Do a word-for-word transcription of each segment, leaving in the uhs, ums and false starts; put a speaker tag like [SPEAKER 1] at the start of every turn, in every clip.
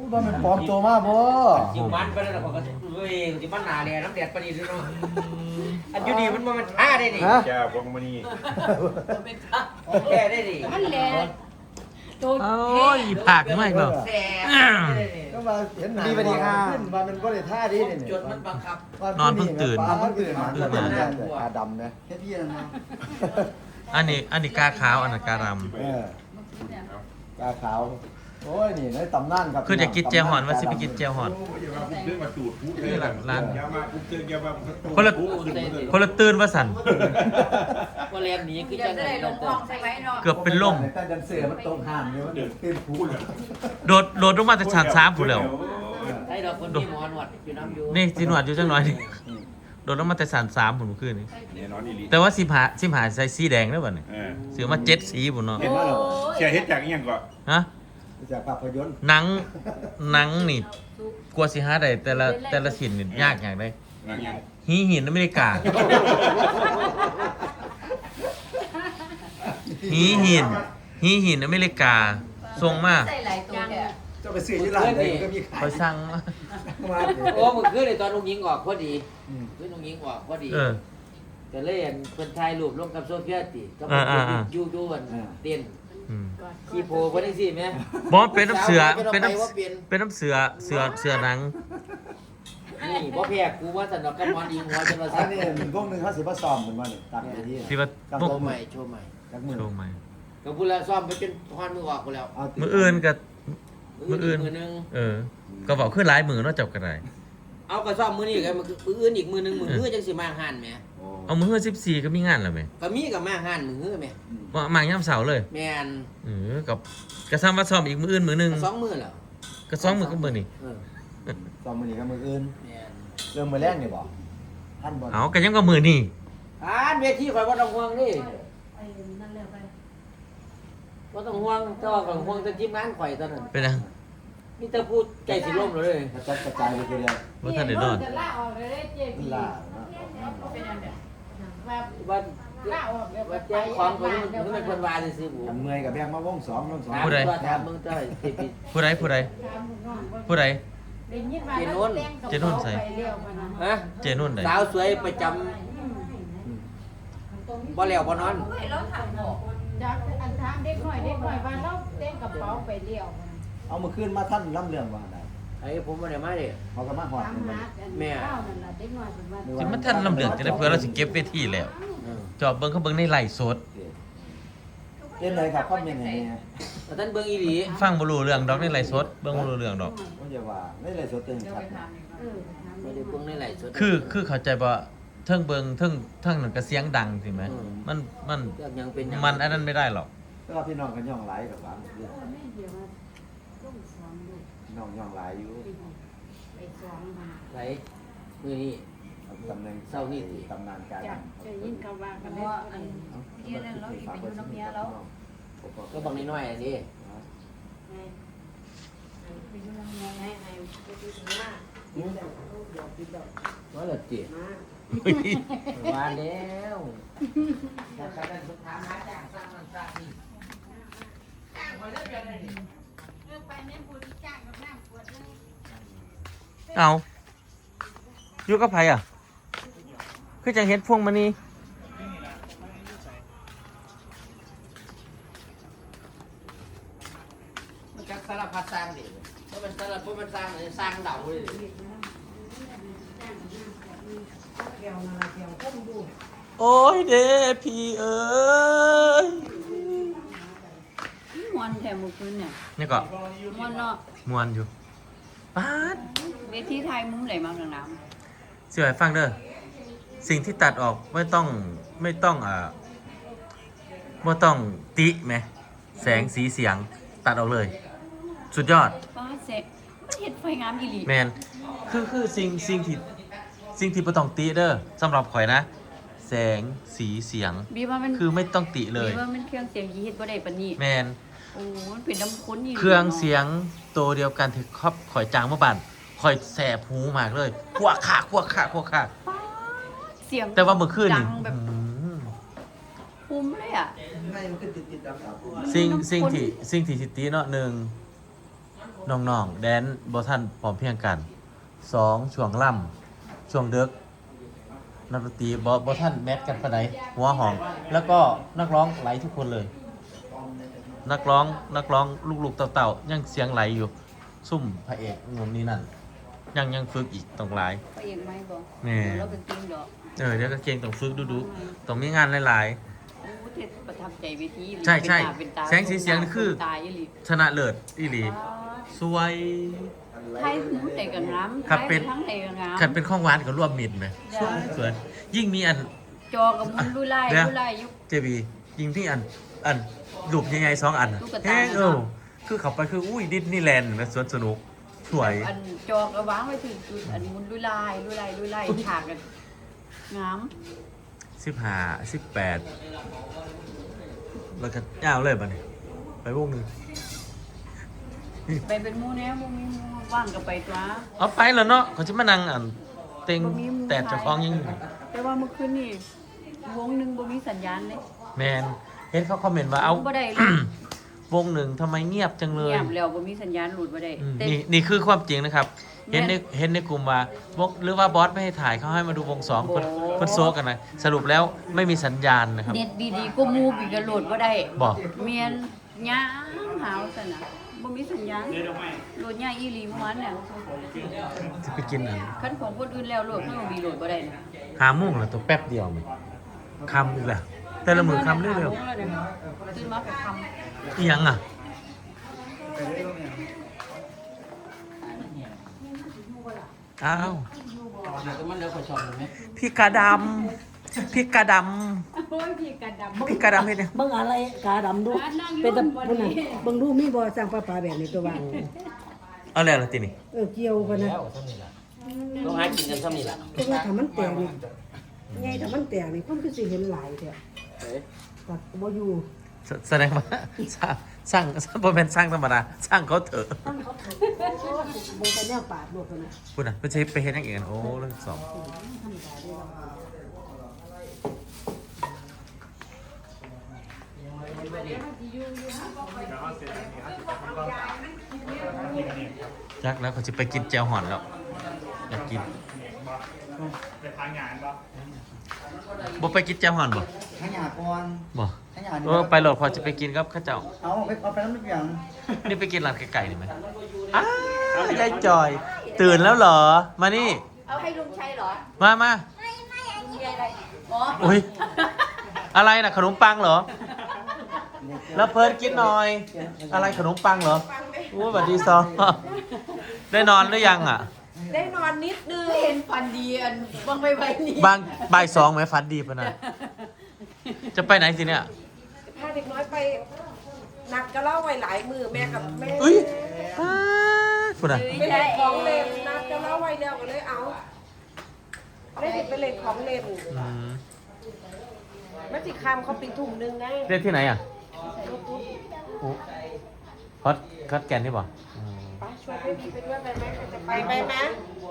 [SPEAKER 1] ว่ามันปลอมตัวมากบ่
[SPEAKER 2] จิมันไปแล้วก็เฮ้ยจิมันหนาแดดน้ำแดดปานนี้ด้วยเนาะอันอยู่ดีมันมันท่าได้ดิ
[SPEAKER 3] แก้วพวงมณี
[SPEAKER 2] แก้ได้ดิ
[SPEAKER 4] มันแหละ
[SPEAKER 5] โอ้ยผักไม่หรอก
[SPEAKER 1] ก็มาเห็นหนาดีพอดีค่ะขึ้นมาเป็นบ่ได้ท่าดีนี่
[SPEAKER 2] จนมันบังคับ
[SPEAKER 5] นอนเพิ่งตื่น
[SPEAKER 1] เพิ่งตื่นมาตื่นมาตาดำนะแค่พี่นะ
[SPEAKER 5] อันนี้อันนี้กาขาวอันนั้นกาดำ
[SPEAKER 1] เออกาขาวโอ้ยนี่ในตำนานครับ
[SPEAKER 5] คือจะกินเจียวหอนว่าสิไปกินเจียวหอน
[SPEAKER 3] นี่แหละร้าน
[SPEAKER 5] คนละคนละตื่นว่าสัน
[SPEAKER 2] ว่าแรงนี้คือจะได้ลงคลองใส่ไว้เนาะ
[SPEAKER 5] เกือบเป็นลม
[SPEAKER 1] แต่ดันเสือมันตรงห่างเลยมันตื่นพูด
[SPEAKER 5] โดดโดดลงมาจากชั้นสามผู้แล้ว
[SPEAKER 2] ให้ดอกคนที่หมอนวดอยู่น้ำอยู่
[SPEAKER 5] นี่สิหนวดอยู่จังหน่อยนี่โดดลงมาจากชั้นสามผู้เมื่อคืนนี้แต่ว่าสิบหาสิบหาใส่สีแดงแล้วบ่เนี่ยเสือมาเจ็ดสีผู้เนาะ
[SPEAKER 3] เชียร์เฮ็ดจากอีหยังก่อน
[SPEAKER 5] ฮะ
[SPEAKER 1] จากภาพยนตร์
[SPEAKER 5] หนังหนังนี่กลัวสิหาได้แต่ละแต่ละชิ้นนี่ยากอย่างไดหินหินอเมริกาหินหินหินหินอเมริกาส่งมา
[SPEAKER 1] เจ้าไปซื้อที่ร้านเลยก็มีขาย
[SPEAKER 5] คอยสั่ง
[SPEAKER 2] โอ้มึงคือในตอนลุงยิงออกพอดีคือลุงยิงออกพอดีจะเล่นคนไทยรูปลงกับโซเฟียติก็ยูยูนเต้นขี้โพคนนี้สิไหม
[SPEAKER 5] บอสเป็นน้ำเสือเป็นน้ำเป็นน้ำเสือเสือเสือหนัง
[SPEAKER 2] นี่บ่แพ้กูว่าสันดอกกำมอนอิงหัวจนว่า
[SPEAKER 1] สันนี่พวกนึงเขาสิบ่ซ้อมเหมือนว่านี่ตัดไปที่
[SPEAKER 5] ที่ว่า
[SPEAKER 2] โชว์ใหม่โชว์ใหม่
[SPEAKER 5] โชว์ใหม่
[SPEAKER 2] ก็พูดแล้วซ้อมไปจนทอนมือออกกูแล้ว
[SPEAKER 5] มืออื่นกับมืออื่นเออก็บอกขึ้นหลายมือนอกจากกันไร
[SPEAKER 2] เอากระซ้อมมือนี่กันมืออื่นอีกมือนึงมือฮื้อจังสิมาหันแหม
[SPEAKER 5] เอามือฮื้อสิบสี่ก็มีงานแล้วไหม
[SPEAKER 2] ก็มีกับมาหันมือฮื้อแหม
[SPEAKER 5] ว่ามาย่ำเสาเลย
[SPEAKER 2] แมน
[SPEAKER 5] เออกับกระซ้ำว่าซ้อมอีกมืออื่นมือนึง
[SPEAKER 2] สองมือเหรอ
[SPEAKER 5] ก็สองมือก็มือนี่
[SPEAKER 1] ซ้อมมือนี่กับมืออื่นเริ่มมือแรกนี่บอกท่านบอก
[SPEAKER 5] เอากันยังกับมือนี่
[SPEAKER 2] อ่านเวทีข่อยว่าต้องห่วงนี่ว่าต้องห่วงเจ้าของห่วงจะจิ้มงานข่อยตอนนั้น
[SPEAKER 5] เป็นยัง
[SPEAKER 2] นี่จะพูดใจสิล่มเลย
[SPEAKER 1] กระจายกระจายไปทีเดียว
[SPEAKER 5] ว่าท่านเดือดร้อน
[SPEAKER 4] ล่าออกเลยเจ๊พี่
[SPEAKER 1] ล่า
[SPEAKER 4] เป็นอันเดียวว่า
[SPEAKER 2] ว่าล่าออกเลยว่าแจ้งความคนนี้มันเป็นคนวาซื้อหมู
[SPEAKER 1] ทำเมื่อยกับแบงมาวงสองวงสอง
[SPEAKER 5] ผู้ใดผู้ใดผู้ใดผู้ใด
[SPEAKER 2] เจนุ่น
[SPEAKER 5] เจนุ่นใส่
[SPEAKER 2] ฮะ
[SPEAKER 5] เจนุ่นใส่
[SPEAKER 2] สาวสวยประจำบ่แล้วบ่นอน
[SPEAKER 4] จากอันทางเด็กหน่อยเด็กหน่อยว่าเราเต้นกระเป๋าไปเลี้ยว
[SPEAKER 1] เอามาขึ้นมาท่านล่ำเรื่องว่าได้
[SPEAKER 2] ไอ้ผมมาเนี่ยมาดิ
[SPEAKER 1] เขาก็มาหอด
[SPEAKER 2] แม่
[SPEAKER 5] จะมาท่านลำเลืองจะได้เพื่อเราสิเก็บเวทีแล้วจอบเบิ้งเขาเบิ้งในไลฟ์สด
[SPEAKER 1] เล่นเลยครับก็เป็นยังไง
[SPEAKER 2] ท่านเบิ้งอีหลี
[SPEAKER 5] ฟังบรูเรื่องดอกในไลฟ์สดเบิ้งบรูเรื่องดอก
[SPEAKER 1] ก็จะว่าในไลฟ์สดเต็มชัด
[SPEAKER 2] ไม่ได้เบิ้งในไลฟ์สด
[SPEAKER 5] คือคือเข้าใจว่าเทิงเบิ้งเทิงเทิงนั่นก็เสียงดังสิไหมมันมันมันอันนั้นไม่ได้หรอก
[SPEAKER 1] ก็พี่น้องกันย่องไหลกับบ้านน้องย่องไหลอยู่
[SPEAKER 2] ไหลมือนี่
[SPEAKER 1] ตำแหน่ง
[SPEAKER 2] เศร้านี่
[SPEAKER 1] ตำนานการ
[SPEAKER 4] จะยินเขาว่ากันได้เที่ยนั่นเราอีกไปอยู่น้ำเมียแล้ว
[SPEAKER 2] ก็บังน้อยๆอันนี้
[SPEAKER 4] ไปอยู่น้ำเมียให้ให้ไปดูถึงว่า
[SPEAKER 2] ว่าหลับจีมาแล้วแต่การนั้นสุดท้ายมาจ้างสร้างมันสร้างนี่จ้างมาเรื่อยๆเลยเออไปเนี่ยบุญจ้างกับน้ำปวดเลย
[SPEAKER 5] เอาอยู่กับไผอ่ะคือจังเห็นพวงมานี่
[SPEAKER 2] มันจักสารพัดสร้างดิเพราะมันสารพัดมันสร้างเลยสร้างเดาเลย
[SPEAKER 5] โอ้ยเด้พี่เอ้ย
[SPEAKER 4] มวนแถมมือคืนเนี่ย
[SPEAKER 5] นี่ก็
[SPEAKER 4] มวนเนาะ
[SPEAKER 5] มวนอยู่ป๊าด
[SPEAKER 4] เวทีไทยมุ้งไหลมาหนัง
[SPEAKER 5] ๆเสียให้ฟังเด้อสิ่งที่ตัดออกไม่ต้องไม่ต้องอ่าไม่ต้องติไหมแสงสีเสียงตัดออกเลยสุดยอด
[SPEAKER 4] ป้าเสร็จมันเห็ดไฟงามอีหลี
[SPEAKER 5] แมนคือคือสิ่งสิ่งที่สิ่งที่ไม่ต้องติเด้อสำหรับข่อยนะแสงสีเสียงคือไม่ต้องติเลย
[SPEAKER 4] บีว่ามันเครื่องเสียงยีเฮ็ดบ่ได้ปานนี้
[SPEAKER 5] แมน
[SPEAKER 4] โอ้มันเป็นน้ำข้นอี
[SPEAKER 5] เครื่องเสียงตัวเดียวกันที่ครอบข่อยจางเมื่อบันข่อยแสบหูมากเลยพวกขาพวกขาพวกขา
[SPEAKER 4] เสียง
[SPEAKER 5] แต่ว่าเมื่อคืนนี่
[SPEAKER 4] คุ้มเลยอ่ะ
[SPEAKER 5] สิ่งสิ่งที่สิ่งที่สิตีเนาะหนึ่งดน้องๆแดนบ่ทันพร้อมเพรียงกันสองช่วงล่ำช่วงเดึกนักดนตรีบ่บ่ทันแมทกันปานใดหัวหอมแล้วก็นักร้องไหลทุกคนเลย นักร้องนักร้องลูกๆเต่าๆยังเสียงไหลอยู่ซุ่มพระเอกงนนี่นั่นยังยังฝึกอีกต้องหลาย
[SPEAKER 6] ไปเองไหมบอก
[SPEAKER 5] แม่
[SPEAKER 6] เราเป็นจริงดอก
[SPEAKER 5] เออเดี๋ยวก็เก่งต้องฝึกดูๆต้องมีงานหลาย
[SPEAKER 6] โอ้เทศประทับใจเวที
[SPEAKER 5] ใช่ใช่
[SPEAKER 6] เป็นตา
[SPEAKER 5] แสงสีเสียงนี่คือ
[SPEAKER 6] ตายอีหลี
[SPEAKER 5] ๆชนะเลิศอีหลีสวย
[SPEAKER 6] ไทยหูแต่กับน้ำ
[SPEAKER 5] ครับเป็น
[SPEAKER 6] ทั้งแต่กับน้ำ
[SPEAKER 5] ขันเป็นข้องหวานกับรวมมิตรไหมสวยสวยยิ่งมีอัน
[SPEAKER 6] จอกับมุนลุยไล่
[SPEAKER 5] เดี๋ยว
[SPEAKER 6] ลุยไล่ยุค
[SPEAKER 5] เจบียิ่งมีอันอันรูปใหญ่ๆสองอัน
[SPEAKER 6] ตุ๊กตา
[SPEAKER 5] แห้งเออคือเขาไปคืออุ้ยดิสนีย์แลนด์แบบสวนสนุกสวย
[SPEAKER 6] อันจอกับวางไว้ถึงจุดอันมุนลุยไล่ลุยไล่ลุยไล่ฉากกันงาม
[SPEAKER 5] สิบห้าสิบแปดแล้วก็ยาวเลยป่ะเนี่ยไปวงหนึ่ง
[SPEAKER 6] ไปเป็นหมูแน่หมูมีหมูว่างกับไปตัว
[SPEAKER 5] เอาไปแล้วเนาะเขาจะมานั่งอันเต็ง
[SPEAKER 6] บ่มีหมู่
[SPEAKER 5] แต่เจ้าของยังอยู่
[SPEAKER 6] แต่ว่าเมื่อคืนนี่วงหนึ่งบ่มีสัญญาณเลย
[SPEAKER 5] แมนเห็นเขาคอมเมนต์ว่าเอา
[SPEAKER 6] บ่ได้เลย
[SPEAKER 5] วงหนึ่งทำไมเงียบจังเลย
[SPEAKER 6] เงียบแล้วบ่มีสัญญาณหลุดบ่ได้
[SPEAKER 5] อืม
[SPEAKER 6] แต่
[SPEAKER 5] นี่นี่คือความจริงนะครับ
[SPEAKER 6] แม่
[SPEAKER 5] เห็น
[SPEAKER 6] น
[SPEAKER 5] ในเห็นในกลุ่มว่าวงหรือว่าบอสไม่ให้ถ่ายเขาให้มาดูวงสองคน
[SPEAKER 6] โอ้
[SPEAKER 5] คนโซกันนะสรุปแล้วไม่มีสัญญาณนะครับ
[SPEAKER 6] เน็ตดีๆก็มูบีกระโหลดบ่ได้
[SPEAKER 5] บอก
[SPEAKER 6] เมียนย่างหาวซั่นน่ะบ่มีสัญญาณโหลดยากอีหลีเมื่อวานเนี่ย
[SPEAKER 5] จะไปกินอัน
[SPEAKER 6] คันของคนอื่นแล้วโหลดข้างบีโหลดบ่ได้นะ
[SPEAKER 5] หาโมุ่งเหรอตัวแป๊บเดียวมันคำอีกแล้วแต่ละมือคำเรื่อย
[SPEAKER 6] ตื่นมาก็คำ
[SPEAKER 5] ๆอีหยังอ่ะอ้าวพี่กาดำพี่กาด
[SPEAKER 4] โอ้ยพี่กระดำ
[SPEAKER 5] ำพี่กาดำเห็นยัง
[SPEAKER 7] เบิ่งอะไรกาดำดู
[SPEAKER 4] นั่ง
[SPEAKER 7] เป็นตะ
[SPEAKER 4] รุ่นบ่
[SPEAKER 7] พุ่นน่ะ
[SPEAKER 4] ดี
[SPEAKER 7] เบิ่งดูมีบ่สร้างปลาปลาแบบนี้ตัวว่า
[SPEAKER 5] เอาแล้วล่ะทีนี้
[SPEAKER 7] เออเกี่ยวกันนะ
[SPEAKER 2] ต้องหากินกันซ้ำนี่ล่ะ
[SPEAKER 7] แต่ว่าถ้ามันแตกนี่ไงถ้ามันแตกนี่คนคือสิเห็นหลายแท้ก็บ่อยู่
[SPEAKER 5] แสแสดงว่า สร้างสร้างบ่เป็นสร้างธรรมดาสร้างเขาเถอะ
[SPEAKER 7] ตั้งเขาถูกบ่แต่แนวปาดโลดกันนะ
[SPEAKER 5] พูดนะไม่ใช่ไปเห็นอย่างอื่นโอ้เรื่องสองยักแล้วเขาจะไปกินแจวห่อนแล้วอยากกินบ่ไปกินแจวห่อนบ่
[SPEAKER 1] ขยะก่อน
[SPEAKER 5] บ่
[SPEAKER 1] ขยะ
[SPEAKER 5] เออไปโหลดพอจะไปกินครับข้าเจ้า
[SPEAKER 1] เอาไปเอาไปน้ำมันอย่าง
[SPEAKER 5] นี่ไปกินร้านไก่ๆนี่ไหมอ้าวยายจอย ตื่นแล้วเหรอ มานี่
[SPEAKER 6] เอาให้ลุงชัยเหรอ
[SPEAKER 5] มามา
[SPEAKER 6] มีอะไรอ๋อ
[SPEAKER 5] อุ้ย อะไรนะขนมปังเหรอ แล้วเพิร์ดกินหน่อย อะไรขนมปังเหรอโอ้สวัสดีซอ ได้นอนหรือยังอ่ะ
[SPEAKER 6] ได้นอนนิดนึงเห็นฟันดีอันบางใบใบนี้
[SPEAKER 5] บางบ่ายสองไหมฟันดีปะนะจะไปไหนสิเนี่ย
[SPEAKER 8] พาเด็กน้อยไปนัดก็เล่าไว้หลายมือแม่กับแม่
[SPEAKER 5] อุ้ยป้าดคุณอ่ะ
[SPEAKER 8] ไปเล่นของเล่นนัดก็เล่าไว้แล้วก็เลยเอาได้เด็กไปเล่นของเล่น
[SPEAKER 5] อืม
[SPEAKER 8] แม่จิคำเขาปิดถุงนึงนะ
[SPEAKER 5] เล่นที่ไหนอ่ะโอ้คัดคัดแกนที่บ่อืม
[SPEAKER 8] ไปชวนไปดีไปด้วยไปไหมใครจะไปไปไหม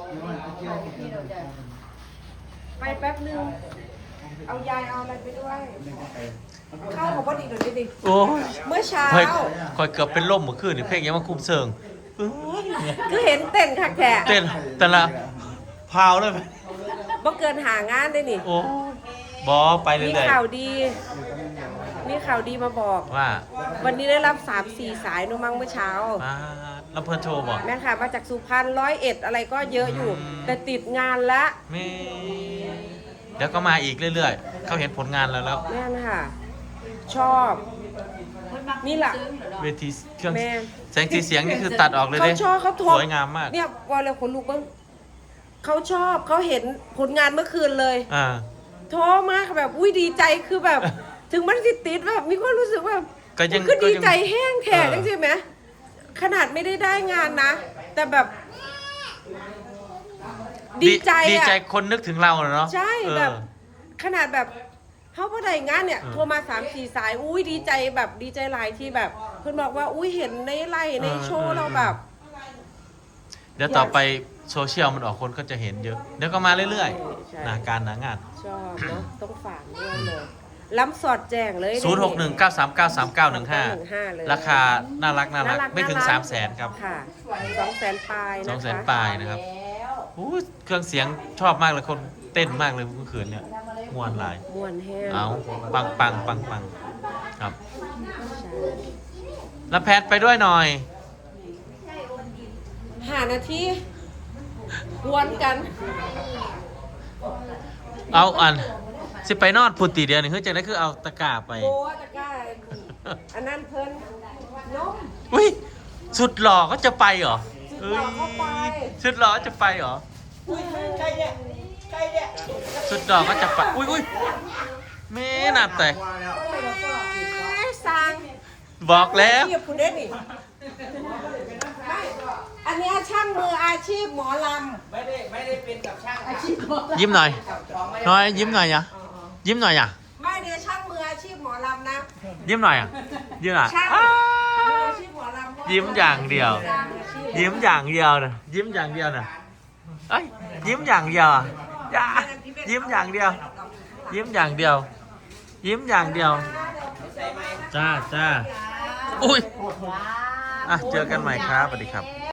[SPEAKER 8] ไปแป๊บนึงเอายายเอาอะไรไปด้วยข้าวของพอดีเดี๋ยวนี้ดิ
[SPEAKER 5] โอ้ย
[SPEAKER 8] เมื่อเช้า
[SPEAKER 5] คอยคอยเกือบเป็นล่มเมื่อคืนนี่เพลงยังมาคุมเชิงเอ้ย
[SPEAKER 8] คือเห็นเต้นคักแท้
[SPEAKER 5] เต้นแต่ละพาวเลยไหม
[SPEAKER 8] บ่เกินหางานได้นี่
[SPEAKER 5] โอ้บอไปเรื่
[SPEAKER 8] มี
[SPEAKER 5] อย
[SPEAKER 8] ข่าวดี มีข่าวดีมาบอก
[SPEAKER 5] ๆว่า
[SPEAKER 8] วันนี้ได้รับสามสี่สายนู้มั้งเมื่อเช้า
[SPEAKER 5] มาแล้วเพื่อนโทรบอก
[SPEAKER 8] แม่ค่ะมาจากสุพรรณร้อยเอ็ดอะไรก็เยอะอยู่
[SPEAKER 5] อืม
[SPEAKER 8] แต่ติดงานละ
[SPEAKER 5] แม่เดี๋ยวก็มาอีกเรื่อยๆ เขาเห็นผลงานแล้วแล้ว
[SPEAKER 8] แม่นค่ะ ชอบ นี่แหละ
[SPEAKER 5] เวทีเครื่อง
[SPEAKER 8] แม่
[SPEAKER 5] แสงสีเสียงนี่คือตัดออกเลย
[SPEAKER 8] เขา
[SPEAKER 5] เด้
[SPEAKER 8] ชอบเขาโทร
[SPEAKER 5] สวยงามมาก
[SPEAKER 8] เนี่ยว่าเลยคนลูกเบ้างเขาชอบเขาเห็นผลงานเมื่อคืนเลย
[SPEAKER 5] อ่า
[SPEAKER 8] โทรมากแบบอุ้ยดีใจคือแบบ ถึงมันติดติดแบบมีความรู้สึกว่า
[SPEAKER 5] ก็ยัง
[SPEAKER 8] คือดีใจ
[SPEAKER 5] ก็ยัง
[SPEAKER 8] แห้งแท้
[SPEAKER 5] เออ
[SPEAKER 8] จังใช่ไหมขนาดไม่ได้ได้งานนะ แต่แบบ ดีใจ
[SPEAKER 5] ดี
[SPEAKER 8] อะ
[SPEAKER 5] ใจคนนึกถึงเราเนาะ
[SPEAKER 8] ใช่
[SPEAKER 5] เออ
[SPEAKER 8] แบบ ขนาดแบบเขาพอได้งานเนี่ย
[SPEAKER 5] เออ
[SPEAKER 8] โทรมาสามสี่สายอุ้ยดีใจแบบดีใจหลายที่แบบเพื่อนบอกว่าอุ้ยเห็นในไลน์ในโชว์เราแบบ
[SPEAKER 5] เดี๋ยวต่อไปโซเชียลมันออกคนก็จะเห็นเยอะ เดี๋ยวก็มาเรื่อย
[SPEAKER 8] ใช่
[SPEAKER 5] ๆหนาการหนางาน
[SPEAKER 8] ชอบเนาะต้องฝากด้วยเลยล้ำสอดแจ้งเลย
[SPEAKER 5] ศูนย์หกหนึ่งเก้าสามเก้าสามเก้าหนึ่งห้า
[SPEAKER 8] เลย
[SPEAKER 5] ราคาน่ารักน่ารักไม่ถึงสามแสนครับ
[SPEAKER 8] ค่ะสองแสนปลาย
[SPEAKER 5] ส
[SPEAKER 8] นะ
[SPEAKER 5] องแสน
[SPEAKER 8] คะ
[SPEAKER 5] ปลายนะครับอู้เครื่องเสียงชอบมากเลยคนเต้นมากเลยเมื่อคืนเนี่ยมวนหลาย
[SPEAKER 8] ม่วนแห้ง
[SPEAKER 5] เอาปังปังปังปังครับแล้วแพทไปด้วยหน่อย
[SPEAKER 8] ห้านาทีกวนกัน
[SPEAKER 5] เอาอันสิไปนอนพุติเดียวนี่คือจังได้คือเอาตะกร้าไป
[SPEAKER 8] โอ้ตะกร้าอันนั้นเพิ่นนม
[SPEAKER 5] อุ้ยสุดหล่อก็จะไปเหรอ
[SPEAKER 8] สุดหล่อก็ไป
[SPEAKER 5] สุดหล่อจะไปเหรอ
[SPEAKER 8] อุ้ยใครเนี่ยใครเนี่ย
[SPEAKER 5] สุดหล่อก็จะไปอุ้ยอุ้ยแม่หนับแต่
[SPEAKER 8] สร้าง
[SPEAKER 5] บอกแล้ว
[SPEAKER 8] อาชีพคุณเด่นนี่ไม่อันเนี้ยช่างมืออาชีพหมอลำ
[SPEAKER 2] ไม่ได้ไม่ได้เป็นกับช่างอาชีพ
[SPEAKER 5] ยิ้มหน่อยน้อยยิ้มหน่อยอ่ะยิ้มหน่อยอ่ะ
[SPEAKER 8] ไม่เนี่ยช่างมืออาชีพหมอลำนะ
[SPEAKER 5] ยิ้มหน่อยอ่ะยิ้มหน่อย
[SPEAKER 8] ช่าง
[SPEAKER 5] อ้า
[SPEAKER 8] มือ
[SPEAKER 5] ว
[SPEAKER 8] อาชีพหมอลำ
[SPEAKER 5] ยิ้มอย่างเดียว
[SPEAKER 8] ช่างอาชีพ
[SPEAKER 5] ยิ้มอย่างเดียวนะยิ้มอย่างเดียวนะเอ้ยยิ้มอย่างเดียวอ่ะอย่ายิ้มอย่างเดียว ยิ้มอย่างเดียว ยิ้มอย่างเดียวจ้าจ้าอุ้ยอ่ะเจอกันใหม่ครับสวัสดีครับ